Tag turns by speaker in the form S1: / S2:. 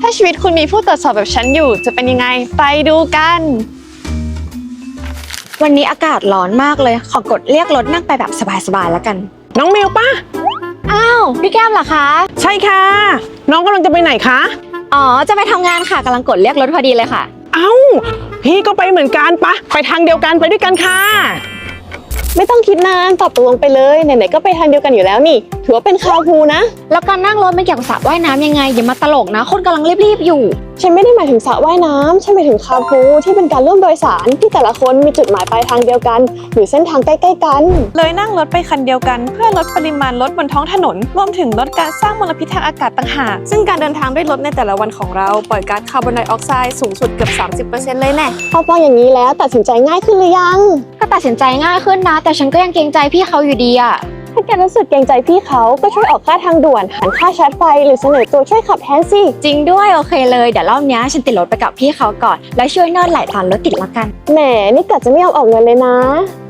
S1: าชีวิตคุณมีผู้ตรวจสอบแบบฉันอยู่จะเป็นยังไงไปดูกัน
S2: วันนี้อากาศร้อนมากเลยขอกดเรียกรถนั่งไปแบบสบายๆแล้วกัน
S3: น้องมิวปะ
S2: อ้าวพี่แก้มเหรอคะ
S3: ใช่ค่ะน้องกำลังจะไปไหนคะ
S2: อ๋อจะไปทำงานค่ะกำลังกดเรียกรถพอดีเลยค่ะ
S3: เอ้าพี่ก็ไปเหมือนกันปะไปทางเดียวกันไปด้วยกันค่ะ
S1: ไม่ต้องคิดนานตอบตกลงไปเลยไหนๆก็ไปทางเดียวกันอยู่แล้วนี่ถือว่าเป็นคาพูนะ
S2: แล้วการนั่งรถไม่เกี่ยวกับสระว่ายน้ำยังไงอย่ามาตลกนะคนกำลังรีบๆอยู่
S1: ฉันไม่ได้หมายถึงสระว่ายน้ำฉันหมายถึงคาพูที่เป็นการร่วมโดยสารที่แต่ละคนมีจุดหมายปลายทางเดียวกันหรือเส้นทางใกล้ๆกัน
S4: เลยนั่งรถไปคันเดียวกันเพื่อลดปริมาณรถบนท้องถนนรวมถึงลดการสร้างมลพิษทางอากาศต่างหากซึ่งการเดินทางด้วยรถในแต่ละวันของเราปล่อยก๊าซคาร์บอนไดออกไซด์สูงสุดเกือบ 30% เลยแน่
S1: พอฟังอย่างนี้แล้วตัดสินใจง่ายขึ้นหรือยัง
S2: ก็ตัดสินใจง่ายขึ้นนะแต่ฉันก็ยังเกรงใจพี่เขาอยู่ดีอะ
S1: ถ้าแกรู้สึกเกรงใจพี่เขาก็ช่วยออกค่าทางด่วนหันค่าชาร์จไฟหรือเสนอตัวช่วยขับแทนสิ
S2: จริงด้วยโอเคเลยเดี๋ยวรอบนี้ฉันติดรถไปกับพี่เขาก่อนแล้วช่วยนวดไหล่ตอนรถติดละกัน
S1: แหมนี่กะจะไม่ยอมออกเงินเลยนะ